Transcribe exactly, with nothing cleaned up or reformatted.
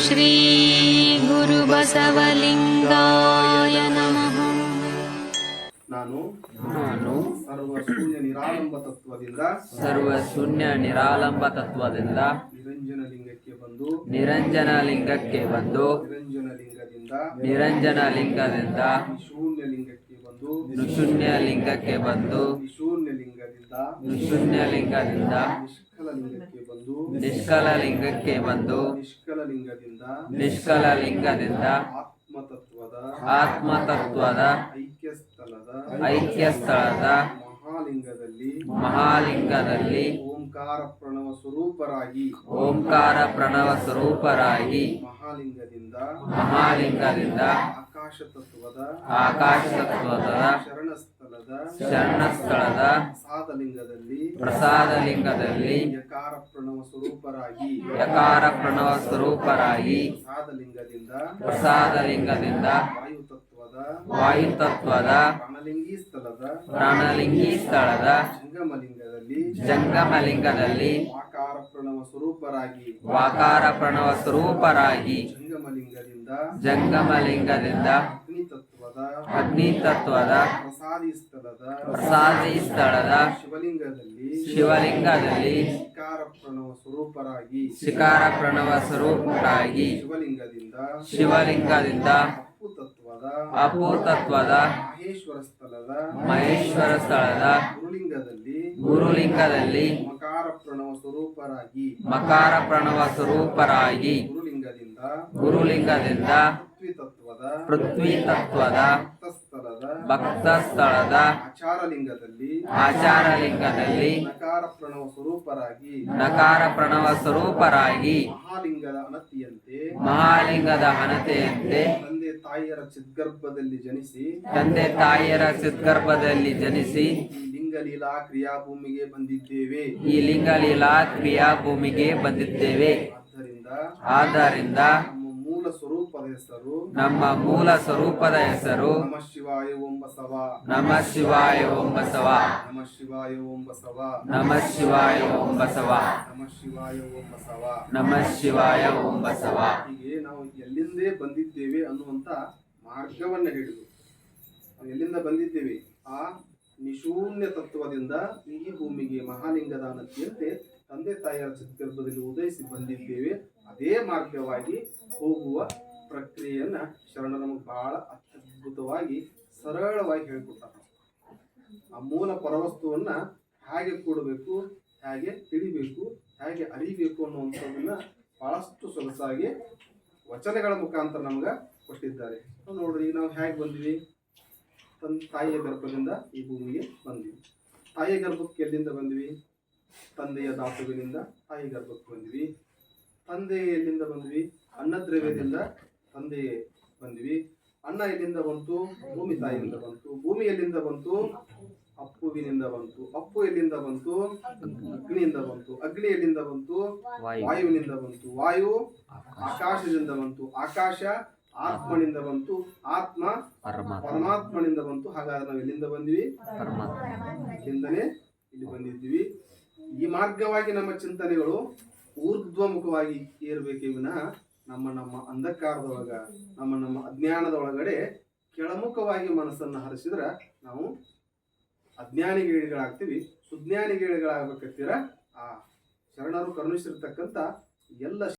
ಶ್ರೀ ಗುರು ಬಸವಲಿಂಗಾಯ ನಮಃ. ನಾನು ನಾನು ಸರ್ವ ಶೂನ್ಯ ನಿರಾಲಂಬ ತತ್ವದಿಂದ ಸರ್ವ ಶೂನ್ಯ ನಿರಾಲಂಬ ತತ್ವದಿಂದ ನಿರಂಜನ ಲಿಂಗಕ್ಕೆ ಬಂದು ನಿರಂಜನ ಲಿಂಗಕ್ಕೆ ಬಂದು ನಿರಂಜನ ಲಿಂಗದಿಂದ ನಿರಂಜನ ಲಿಂಗದಿಂದ ನಿಶೂನ್ಯ ಲಿಂಗಕ್ಕೆ ಬಂದು ನಿಶೂನ್ಯ ಲಿಂಗಕ್ಕೆ ಬಂದು ನಿಶೂನ್ಯ ಲಿಂಗದಿಂದ ನಿಶೂನ್ಯ ಲಿಂಗದಿಂದ ನಿಷ್ಕಲ ಲಿಂಗಕ್ಕೆ ಬಂದು ನಿಷ್ಕಲ ಲಿಂಗಕ್ಕೆ ಬಂದು ನಿಷ್ಕಲ ಲಿಂಗದಿಂದ ನಿಷ್ಕಲ ಲಿಂಗದಿಂದ ಆತ್ಮತತ್ವದ ಆತ್ಮತತ್ವದ ಐಕ್ಯ ಸ್ಥಳದ ಐಕ್ಯ ಸ್ಥಳದ ಮಹಾಲಿಂಗದಲ್ಲಿ ಮಹಾಲಿಂಗದಲ್ಲಿ ಓಂಕಾರ ಪ್ರಣವ ಸ್ವರೂಪರಾಗಿ ಓಂಕಾರ ಪ್ರಣವ ಸ್ವರೂಪರಾಗಿ ಮಹಾಲಿಂಗದಿಂದ ಮಹಾಲಿಂಗದಿಂದ ಆಕಾಶ ತತ್ವದ ಆಕಾಶ ತತ್ವದ ಶರಣ ಸ್ಥಳದ ಶರಣ ಸ್ಥಳದ ಪ್ರಸಾದ ಲಿಂಗದಲ್ಲಿ ಪ್ರಸಾದ ಲಿಂಗದಲ್ಲಿ ಯಕಾರ ಪ್ರಣವ ಸ್ವರೂಪರಾಗಿ ಯಕಾರ ಪ್ರಣವ ಸ್ವರೂಪರಾಗಿ ಪ್ರಸಾದ ಲಿಂಗದಿಂದ ಪ್ರಸಾದ ಲಿಂಗದಿಂದ ವಾಯು ತತ್ವದ ವಾಯು ತತ್ವದ ಪ್ರಾಣಲಿಂಗಿ ಸ್ಥಳದ ಪ್ರಾಣಲಿಂಗಿ ಸ್ಥಳದ ಜಂಗಮ ಲಿಂಗದಲ್ಲಿ ಜಂಗಮ ಲಿಂಗದಲ್ಲಿ ವಾಕಾರ ಪ್ರಣವ ಸ್ವರೂಪರಾಗಿ ವಾಕಾರ ಪ್ರಣವ ಸ್ವರೂಪರಾಗಿ ಜಂಗಮ ಲಿಂಗದಿಂದ ಜಂಗಮ ಲಿಂಗದಿಂದ ಅಗ್ನಿ ತತ್ವದ ಅಗ್ನಿ ತತ್ವದ ಪ್ರಸಾದಿ ಸ್ಥಳದ ಪ್ರಸಾದಿ ಸ್ಥಳದ ಶಿವಲಿಂಗದಲ್ಲಿ ಶಿವಲಿಂಗದಲ್ಲಿ ಶಿಕಾರ ಪ್ರಣವ ಸ್ವರೂಪರಾಗಿ ಶಿಕಾರ ಪ್ರಣವ ಸ್ವರೂಪರಾಗಿ ಶಿವಲಿಂಗದಿಂದ ಶಿವಲಿಂಗದಿಂದ ಅಪ್ಪು ತತ್ವದ ಅಪೂ ತತ್ವದ ಮಹೇಶ್ವರ ಸ್ಥಳದ ಮಹೇಶ್ವರ ಸ್ಥಳದ ಗುರುಲಿಂಗದಲ್ಲಿ ಗುರುಲಿಂಗದಲ್ಲಿ ಮಕಾರ ಪ್ರಣವ ಸ್ವರೂಪರಾಗಿ ಮಕಾರ ಪ್ರಣವ ಸ್ವರೂಪರಾಗಿ ಗುರುಲಿಂಗದಿಂದ ಗುರುಲಿಂಗದಿಂದ ಪೃಥ್ವಿ ತತ್ವದ ಪೃಥ್ವಿ ತತ್ವದ ಭಕ್ತ ಸ್ಥಳದ ಭಕ್ತ ಸ್ಥಳದ ಆಚಾರ ಲಿಂಗದಲ್ಲಿ ಆಚಾರ ಲಿಂಗದಲ್ಲಿ ನಕಾರ ಪ್ರಣವ ಸ್ವರೂಪರಾಗಿ ನಕಾರ ಪ್ರಣವ ಸ್ವರೂಪರಾಗಿ ಮಹಾಲಿಂಗದ ಅನತಿಯಂತೆ ಮಹಾಲಿಂಗದ ಹಣತೆಯಂತೆ ತಂದೆ ತಾಯಿಯರ ಚಿದ್ಗರ್ಭದಲ್ಲಿ ಜನಿಸಿ ತಂದೆ ತಾಯಿಯರ ಚಿದ್ಗರ್ಭದಲ್ಲಿ ಜನಿಸಿ ಈ ಲಿಂಗಲೀಲಾ ಕ್ರಿಯಾಭೂಮಿಗೆ ಬಂದಿದ್ದೇವೆ. ಈ ಲಿಂಗಲೀಲಾ ಕ್ರಿಯಾ ಭೂಮಿಗೆ ಬಂದಿದ್ದೇವೆ. ಆದ್ದರಿಂದ ಆದ್ದರಿಂದ ನಮ್ಮ ಮೂಲ ಸ್ವರೂಪದ ಹೆಸರು ನಮ್ಮ ಮೂಲ ಸ್ವರೂಪದ ಹೆಸರು ನಮಃ ಶಿವಾಯ ಓಂ ಬಸವ. ನಮಃ ಶಿವಾಯ ಓಂ ಬಸವ. ನಮಃ ಶಿವಾಯ ಓಂ ಬಸವ. ನಮಃ ಶಿವಾಯ ಓಂ ಬಸವ. ನಮಃ ಶಿವಾಯ ಓಂ ಬಸವ. ನಮಃ ಶಿವಾಯ ಓಂ ಬಸವ. ಹೀಗೆ ನಾವು ಎಲ್ಲಿಂದೇ ಬಂದಿದ್ದೇವೆ ಅನ್ನುವಂತ ಮಾರ್ಗವನ್ನ ಹಿಡಿದು ನಾವು ಎಲ್ಲಿಂದ ಬಂದಿದ್ದೇವೆ ಆ ನಿಶೂನ್ಯ ತತ್ವದಿಂದ ಈ ಭೂಮಿಗೆ ಮಹಾಲಿಂಗದ ಅನತಿಯಂತೆ ತಂದೆ ತಾಯಿಯರ ಚಿತ್ಗರ್ಭದಲ್ಲಿ ಉದಯಿಸಿ ಬಂದಿದ್ದೇವೆ. ಅದೇ ಮಾರ್ಗವಾಗಿ ಹೋಗುವ ಪ್ರಕ್ರಿಯೆಯನ್ನ ಶರಣ ನಮಗೆ ಬಹಳ ಅತ್ಯದ್ಭುತವಾಗಿ ಸರಳವಾಗಿ ಹೇಳ್ಕೊಡ್ತಾರೆ. ಆ ಮೂಲ ಪರವಸ್ತುವನ್ನ ಹೇಗೆ ಕೂಡಬೇಕು, ಹೇಗೆ ತಿಳಿಬೇಕು, ಹೇಗೆ ಅರಿಬೇಕು ಅನ್ನುವಂಥದ್ದನ್ನ ಬಹಳಷ್ಟು ಸೊಗಸಾಗಿ ವಚನಗಳ ಮುಖಾಂತರ ನಮ್ಗೆ ಕೊಟ್ಟಿದ್ದಾರೆ. ನೋಡ್ರಿ, ನಾವು ಹೇಗೆ ಬಂದ್ವಿ? ತನ್ನ ತಾಯಿಯ ಗರ್ಭದಿಂದ ಈ ಭೂಮಿಗೆ ಬಂದ್ವಿ. ತಾಯಿಯ ಗರ್ಭಕ್ಕೆ ಎಲ್ಲಿಂದ ಬಂದ್ವಿ? ತಂದೆಯ ಧಾತುವಿನಿಂದ ತಾಯಿ ಗರ್ಭಕ್ಕೆ ಬಂದ್ವಿ. ತಂದೆ ಎಲ್ಲಿಂದ ಬಂದ್ವಿ? ಅನ್ನದ್ರವ್ಯದಿಂದ ತಂದೆ ಬಂದ್ವಿ. ಅನ್ನ ಎಲ್ಲಿಂದ ಬಂತು? ಭೂಮಿ ತಾಯಿಯಿಂದ ಬಂತು. ಭೂಮಿ ಎಲ್ಲಿಂದ ಬಂತು? ಅಪ್ಪುವಿನಿಂದ ಬಂತು. ಅಪ್ಪು ಎಲ್ಲಿಂದ ಬಂತು? ಅಗ್ನಿಯಿಂದ ಬಂತು. ಅಗ್ನಿ ಎಲ್ಲಿಂದ ಬಂತು? ವಾಯುವಿನಿಂದ ಬಂತು. ವಾಯು ಆಕಾಶದಿಂದ ಬಂತು. ಆಕಾಶ ಆತ್ಮನಿಂದ ಬಂತು. ಆತ್ಮ ಪರಮಾತ್ಮನಿಂದ ಬಂತು. ಹಾಗಾದ್ರೆ ನಾವು ಎಲ್ಲಿಂದ ಬಂದ್ವಿ? ಇಲ್ಲಿಂದನೇ ಇಲ್ಲಿ ಬಂದಿದ್ವಿ. ಈ ಮಾರ್ಗವಾಗಿ ನಮ್ಮ ಚಿಂತನೆಗಳು ಊರ್ಧ್ವಮುಖವಾಗಿ ಏರ್ಬೇಕೇ ವಿನಃ ನಮ್ಮ ನಮ್ಮ ಅಂಧಕಾರದೊಳಗ ನಮ್ಮ ನಮ್ಮ ಅಜ್ಞಾನದ ಒಳಗಡೆ ಕೆಳಮುಖವಾಗಿ ಮನಸ್ಸನ್ನು ಹರಿಸಿದ್ರೆ ನಾವು ಅಜ್ಞಾನಿಗಳಿಗಳಾಗ್ತೀವಿ. ಸುಜ್ಞಾನಿಗಳಿಗಳಾಗಬೇಕಂತೀರ ಆ ಶರಣರು ಕರುಣಿಸಿರ್ತಕ್ಕಂಥ ಎಲ್ಲ